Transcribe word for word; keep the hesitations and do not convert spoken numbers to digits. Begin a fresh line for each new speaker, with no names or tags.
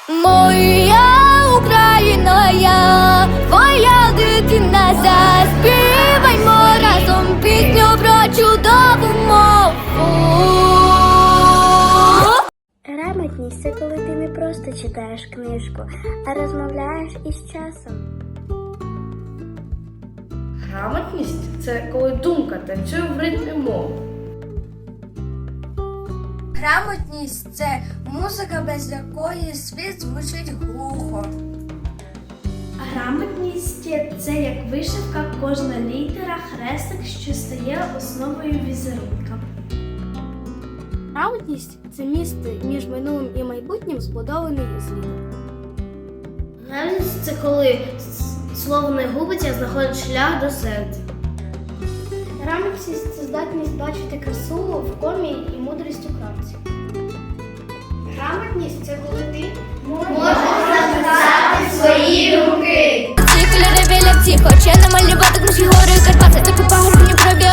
Моя Україна, я твоя дитина, заспіваймо разом пісню про чудову мову.
Грамотність – це коли ти не просто читаєш книжку, а розмовляєш із часом.
Грамотність – це коли думка танцює в ритмі мови.
Грамотність – це музика, без якої світ звучить глухо.
Грамотність – це як вишивка, кожна літера, хрестик, що стає основою візерунка.
Грамотність – це міст між минулим і майбутнім, збудований із літер.
Грамотність – це коли слово не губиться, а знаходить шлях до серця.
Грамотність – це здатність бачити красу в комі і мудрість у крапці. Грамотність – це коли ти можеш записати свої думки.
Ці кольори біля всіх, хоче намалювати наші гори Карпати, таку пагорбні пробі.